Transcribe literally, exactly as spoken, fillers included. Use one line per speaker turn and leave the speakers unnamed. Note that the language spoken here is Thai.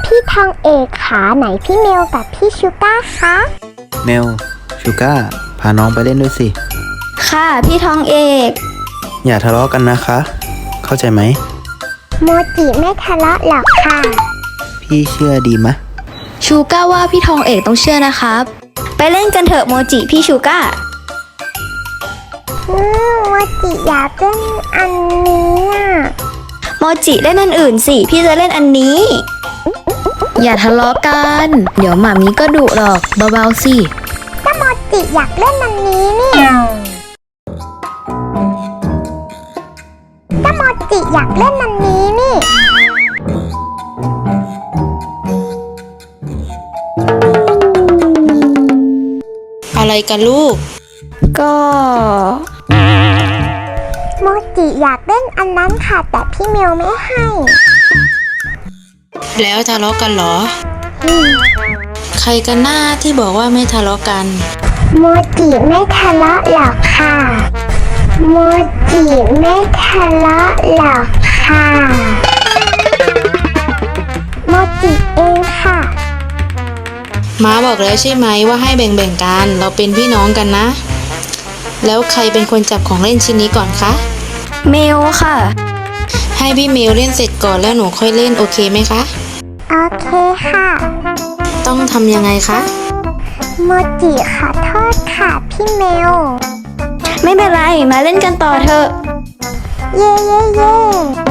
พี่ทองเอกขาไหนพี่เมลกับพี่ชูก้าคะ
เมลชูก้าพาน้องไปเล่นด้วยสิ
ค่ะพี่ทองเอก
อย่าทะเลาะกันนะคะ เข้าใจไหม
โมจิไม่ทะเลาะหรอกค่ะ
พี่เชื่อดีมะ
ชูก้าว่าพี่ทองเอกต้องเชื่อนะครับไปเล่นกันเถอะโมจิพี่ชูก้า
อืมโมจิอยากเล่นอันนี้อ่ะ
โมจิเล่นอันอื่นสิพี่จะเล่นอันนี้อย่าทะเลาะกันเดี๋ยวหมามีก็ดุหรอกเบาๆสิ
ถ้าโมจิอยากเล่นอันนี้เนี่ยถ้าโมจิอยากเล่นอันนี้นี่
อะไรกันลูก
ก็
โมจิอยากเล่นอันนั้นค่ะแต่พี่เมลไม่ให้
แล้วทะเลาะกันเหรอใครกันหน้าที่บอกว่าไม่ทะเลาะกัน
โมจิไม่ทะเลาะหรอกค่ะโมจิไม่ทะเลาะหรอกค่ะโมจิเองค่ะ
ม้าบอกแล้วใช่ไหมว่าให้แบ่งๆกันเราเป็นพี่น้องกันนะแล้วใครเป็นคนจับของเล่นชิ้นนี้ก่อนคะ
เมลค่ะ
ให้พี่เมลเล่นเสร็จก่อนแล้วหนูค่อยเล่นโอเคไหมคะ
โอเคค่ะ
ต้องทำยังไงคะ
โมจิขอโทษค่ะพี่เมล
ไม่เป็นไรมาเล่นกันต่อเถอะ
เย่เย่เย่